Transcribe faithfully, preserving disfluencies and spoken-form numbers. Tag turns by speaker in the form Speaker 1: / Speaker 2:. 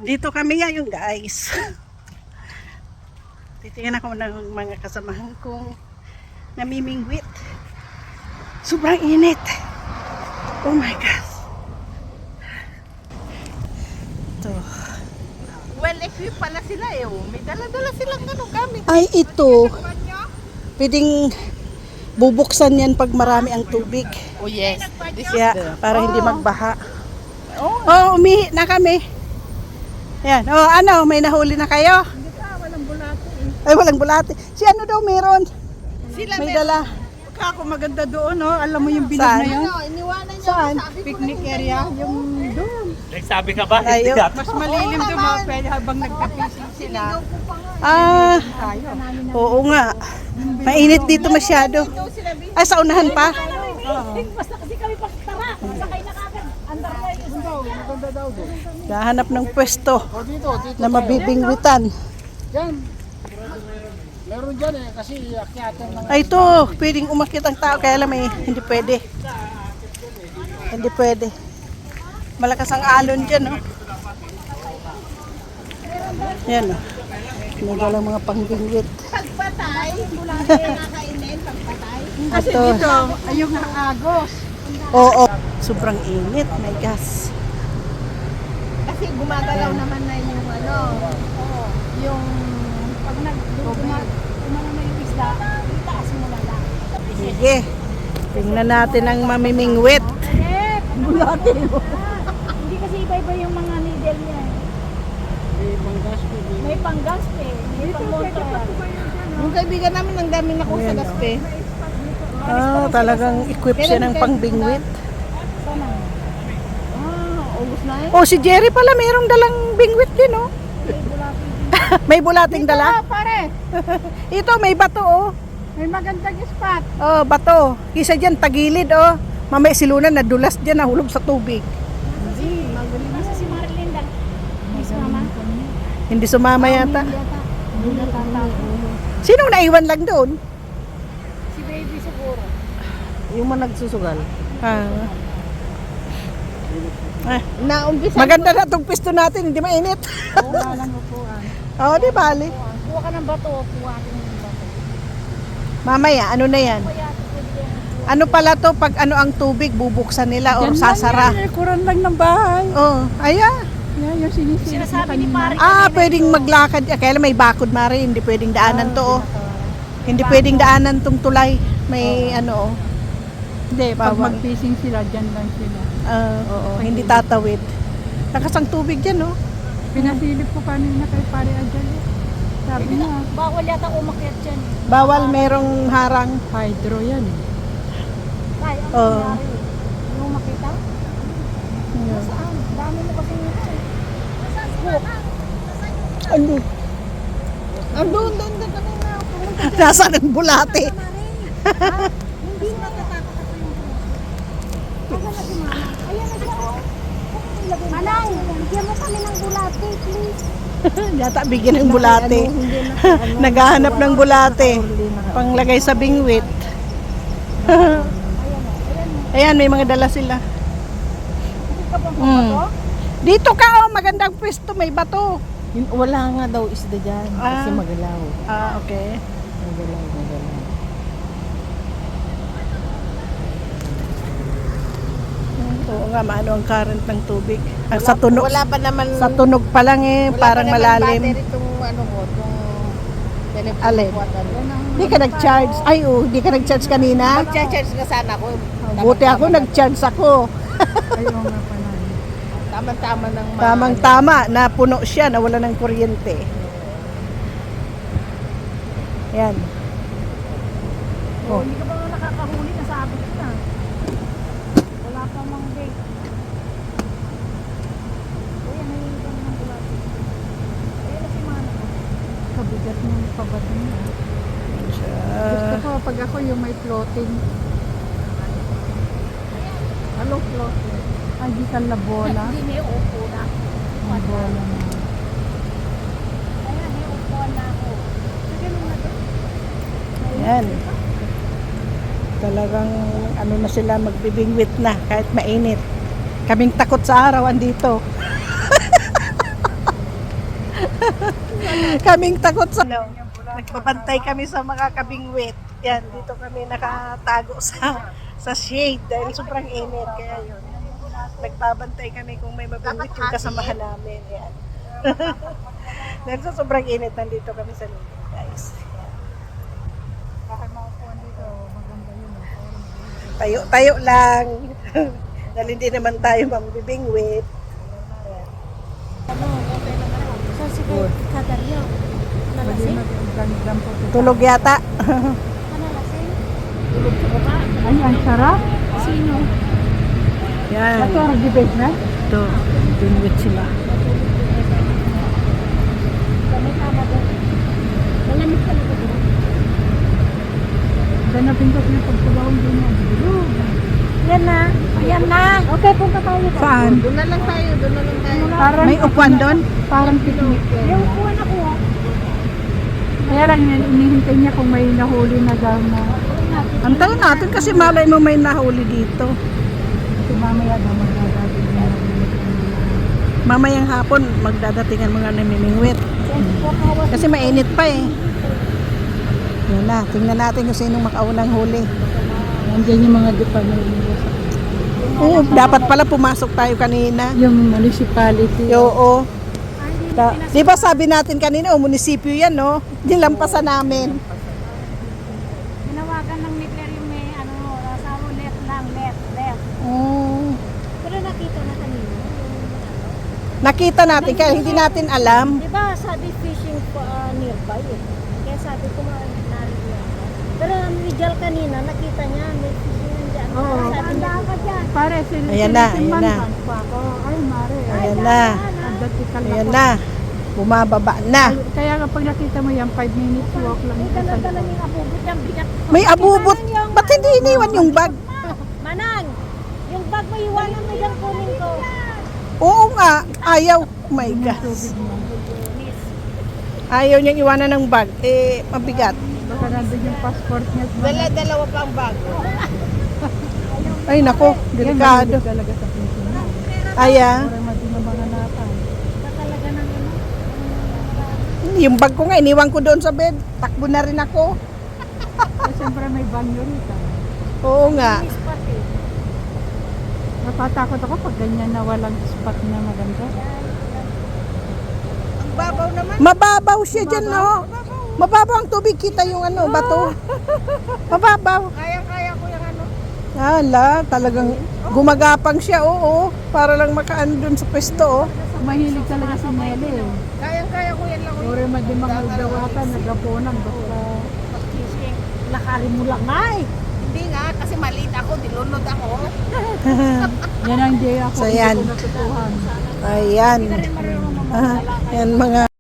Speaker 1: Dito kami ngayon guys. Titingnan ako ng mga kasamahan kong namimingwit. Sobrang init. Oh my God. Ito.
Speaker 2: Well, equip pala sila eh. Oh. May dala-dala silang ano gamit.
Speaker 1: Ay ito. Pwedeng bubuksan yan pag marami ang tubig.
Speaker 2: Oh yes. This
Speaker 1: Kaya
Speaker 2: is the...
Speaker 1: para hindi
Speaker 2: Oh.
Speaker 1: magbaha.
Speaker 2: Oh.
Speaker 1: Oh, umihi na kami. Yan. Oh, ano, may nahuli na kayo?
Speaker 2: Hindi pa, walang bulate eh.
Speaker 1: Ay, walang bulate. Si ano daw meron?
Speaker 2: Sila
Speaker 1: May dala.
Speaker 3: Ako maganda doon, no? Alam mo yung bilog
Speaker 1: Saan?
Speaker 3: na yun?
Speaker 2: Ano, iniwanan niya.
Speaker 1: Saan?
Speaker 2: Sabi ko,
Speaker 3: Picnic
Speaker 2: ano,
Speaker 3: area, yung doon.
Speaker 4: Nagsabi ka ba?
Speaker 1: Ayaw.
Speaker 4: Hindi
Speaker 3: Mas malilim
Speaker 2: Oo,
Speaker 3: doon,
Speaker 2: naman.
Speaker 3: mga pwede habang nagka-fishing sila.
Speaker 1: Ah,
Speaker 3: Tayo.
Speaker 1: oo nga. Mainit dito masyado.
Speaker 2: Ito sila busy.
Speaker 1: Ay, sa unahan pa?
Speaker 5: Basta kasi kami pagtara, sakay na kagad. Andar na yung
Speaker 1: Gahanap ng pwesto
Speaker 4: O dito, dito.
Speaker 1: na mabibingwitan.
Speaker 4: Yan. Meron dyan eh, kasi akyatan ng...
Speaker 1: Ay, ito. Pwedeng umakyat ang tao. Kaya lang may hindi pwede. Hindi pwede. Malakas ang alon dyan, no? Yan, no? Nagala mga pangbingwit.
Speaker 2: Pagpatay, bulate nakainin, pagpatay.
Speaker 3: Kasi
Speaker 1: Ito.
Speaker 3: dito, ay yung agos.
Speaker 1: Oo. Sobrang init. My gosh.
Speaker 2: Kasi gumagalaw naman na yung ano, yung
Speaker 5: pag nag-umano na yung isda, itaas mo na lang.
Speaker 1: Sige. Tingnan natin ang mamimingwit.
Speaker 5: Eh, bulate mo. Hindi kasi iba-iba yung mga needle niya. May panggas eh. May pangmonta.
Speaker 2: yung kaibigan namin ang dami na sa gaspe.
Speaker 1: Ah, talagang equip siya ng pangbingwit.
Speaker 5: Sana.
Speaker 2: Ah, ubos na eh.
Speaker 1: Oh, si Jerry pala mayroong dalang bingwit din, oh. May bulating dala?
Speaker 2: Ah, pare.
Speaker 1: Ito, may bato, oh.
Speaker 3: May magandang spot.
Speaker 1: Oh, bato. Kisa dyan, tagilid, oh. Mamaya silunan, nadulas dyan, nahulog sa tubig.
Speaker 5: Kasi, kasi si Marilyn lang. Miss Mama.
Speaker 1: Hindi sumama yata.
Speaker 5: Hindi natatapo.
Speaker 1: Sinong naiwan lang doon?
Speaker 5: Si baby siguro.
Speaker 2: Yung mga nagsusugal.
Speaker 1: Ah. Ah,
Speaker 2: Naumpisa.
Speaker 1: maganda na itong pisto natin, hindi mainit.
Speaker 3: Wala lang upuan.
Speaker 1: Oo, di bali.
Speaker 5: Kuha ka ng bato. Kuha ka ng bato.
Speaker 1: Mamaya, ano na yan?
Speaker 5: Kaya, pwede yan.
Speaker 1: Ano pala to pag ano ang tubig, bubuksan nila or sasara?
Speaker 3: Yan, kuran lang ng bahay.
Speaker 1: Oh, ayan.
Speaker 3: Yan, yung sinisilip na
Speaker 5: Sinasabi ni
Speaker 3: kanina.
Speaker 5: Pare.
Speaker 1: Ah, pwedeng maglakad. Ah, kaya lang may bakod, Mari. Hindi pwedeng daanan to, oh. Hindi pwedeng daanan tong tulay. May ano, oh.
Speaker 3: Hindi, pag
Speaker 1: Bawal.
Speaker 3: mag-fishing sila, dyan lang sila.
Speaker 1: Ah, oo, hindi tatawid. Lakas ang tubig dyan, oh.
Speaker 3: Pinasilip ko kanina kay Pare Ajal. Sabi niya,
Speaker 5: Bawal yata umakyat dyan.
Speaker 1: Bawal merong harang.
Speaker 3: hydro yan eh.
Speaker 5: Tay, ano
Speaker 1: Oo.
Speaker 5: nangyari? Yung makita? Saan? Dami mo kasi yung hook.
Speaker 1: Ano?
Speaker 2: Andun, doon, doon kanina. Pumunta.
Speaker 1: Nasaan ang bulate?
Speaker 5: Hindi na natatakot ako yung hook. Ayan na si Mama. Ayan na siya. oh. Manang, bigyan mo kami ng bulate, please.
Speaker 1: Yata bigyan ng bulate. Naghahanap ng bulate. Panglagay sa bingwit. Ayan, may mga dala sila. Mm. Dito ka, oh, magandang pwesto, may bato.
Speaker 2: Yun, wala nga daw isda dyan. Kasi
Speaker 1: Ah.
Speaker 2: magalaw.
Speaker 1: Ah, okay.
Speaker 2: Magalaw, magalaw.
Speaker 1: Oo nga, maano ang current ng tubig. Ah, sa tunog,
Speaker 2: Wala pa naman.
Speaker 1: sa tunog pa lang eh,
Speaker 2: wala
Speaker 1: parang
Speaker 2: pa naman
Speaker 1: malalim.
Speaker 2: battery itong ano ko, itong telephone
Speaker 1: Alin?
Speaker 2: ko at ano.
Speaker 1: Hindi ka nag-charge. Ay, oh, hindi ka nag-charge kanina.
Speaker 2: Mag-charge na sana ako.
Speaker 1: Buti ako, nag-charge ako.
Speaker 3: Ayaw nga pala.
Speaker 2: Tama-tama ng mga...
Speaker 1: Tamang-tama, napuno siya, nawala ng kuryente. Yan.
Speaker 5: Oh, hindi ka ba nakakahuli na sabi ko na. Wala pa mang date. Ayan, nahihigam ng bulate. Ayan na si Mana.
Speaker 3: Kabigat ng pabato niya. Gusto ko pag ako yung may floating.
Speaker 2: Ano floating?
Speaker 3: Ay, di ka na bola.
Speaker 5: Hindi may upo na.
Speaker 3: Ang bola na.
Speaker 5: Ayan, may upo na ako. Sige mo na doon.
Speaker 1: Yan. Talagang ano na sila, magbibingwit na kahit mainit. Kaming takot sa araw andito. Kaming takot sa... No, nagbabantay kami sa mga kabingwit. Yan, dito kami nakatago sa sa shade dahil sobrang init. Kaya yun, nagbabantay kami kung may mabingwit yung kasamahan namin. Yan. Dahil sa sobrang init, nandito kami sa loob, guys. Tayo-tayo lang. Dahil hindi naman tayo mambibingwit.
Speaker 5: Ano, so si Kataryo. Nalasing?
Speaker 1: Tulog yata.
Speaker 5: Nalasing?
Speaker 3: Ay, ang sarap.
Speaker 5: Sino?
Speaker 1: Yan.
Speaker 3: Ito ang debate na.
Speaker 1: Ito, bingwit sila.
Speaker 5: May kama doon. Malamig talaga doon.
Speaker 3: Dahil napindot niya pagkulawang din niya. Bilog.
Speaker 5: Yan na. Ayan na. Okay, punta tayo doon.
Speaker 3: Saan?
Speaker 2: Doon na lang tayo, doon na lang tayo.
Speaker 3: Parang,
Speaker 1: May upuan doon?
Speaker 3: Parang picnic.
Speaker 5: May upuan ako. ah.
Speaker 3: Kaya lang yan, inihintay niya kung may nahuli na gama.
Speaker 1: Antayin natin kasi malay mo may nahuli dito.
Speaker 3: Kasi mamaya daw magdadating niya.
Speaker 1: Mamayang hapon magdadating ang mga namimingwit.
Speaker 5: twenty-four hours.
Speaker 1: Kasi mainit pa eh. Yan na, tingnan natin kung sinong makaunang huli.
Speaker 3: Nandiyan yung mga department.
Speaker 1: Oo, dapat pala pumasok tayo kanina.
Speaker 3: Yung municipality.
Speaker 1: Oo. Da, di ba sabi natin kanina, o munisipyo yan, no? Nilampasan namin.
Speaker 5: Tinawagan ng Nickler yung may ano, asawa left lang, left, left.
Speaker 1: Mm,
Speaker 5: Pero nakita na kanina.
Speaker 1: nakita natin, kaya hindi natin alam.
Speaker 5: Di ba sabi fishing uh, nearby eh. Kaya sabi ko narito yan. Pero ang Rizal kanina, nakita niya may fishing nandiyan.
Speaker 3: Oo.
Speaker 5: Sabi niya,
Speaker 3: Pare, sin
Speaker 1: Ayan na, ayan na.
Speaker 3: Ay, mare.
Speaker 1: Ayan na.
Speaker 3: Advertical
Speaker 1: Ayan na. Bumababa na.
Speaker 3: Kaya kapag nakita mo yan, five minutes walk lang.
Speaker 5: may dala-dala yung abubot yung bigat.
Speaker 1: May abubot. Ba't hindi iniwan yung bag?
Speaker 5: Manang, yung bag mo iwanan mo dyan kunin ko.
Speaker 1: Oo nga. Ayaw. Oh my gosh. Ayaw niyang iwanan ng bag. Eh, mabigat.
Speaker 3: Baka nandun yung passport niya.
Speaker 2: Dala, dalawa pa ang bag.
Speaker 1: Ay, nako. Delikado.
Speaker 3: Yan, talaga sa Pilipinas.
Speaker 1: Aya.
Speaker 3: Para madinabanganatan.
Speaker 5: Ba talaga ng ano?
Speaker 1: Yung bag ko nga, iniwan ko doon sa bed. Takbo na rin ako.
Speaker 3: Eh, siyempre may banyo rito.
Speaker 1: Oo nga.
Speaker 5: Spot eh.
Speaker 3: Natatakot ako pag ganyan na walang spot na maganda.
Speaker 2: Ang babaw naman.
Speaker 1: Mababaw siya dyan, no? Mababaw ang tubig. Kita yung ano, bato. Mababaw.
Speaker 2: Kaya-kaya ko yung ano.
Speaker 1: Hala, talagang gumagapang siya, oo. Para lang makaan doon sa pwesto, oh.
Speaker 3: Mahilig talaga si Nelly eh.
Speaker 2: Kaya-kaya ko yan lang.
Speaker 3: Uri madimang dawatan, nagaponan, basta
Speaker 5: Fishing. Lakarin mo lang nga eh.
Speaker 2: Hindi nga, kasi maliit ako, dilunod ako.
Speaker 3: yan ang day ako.
Speaker 1: So,
Speaker 3: hindi
Speaker 1: yan.
Speaker 3: ko natutuhan.
Speaker 1: Ayan.
Speaker 5: Rin marunong
Speaker 1: Ah, yan mga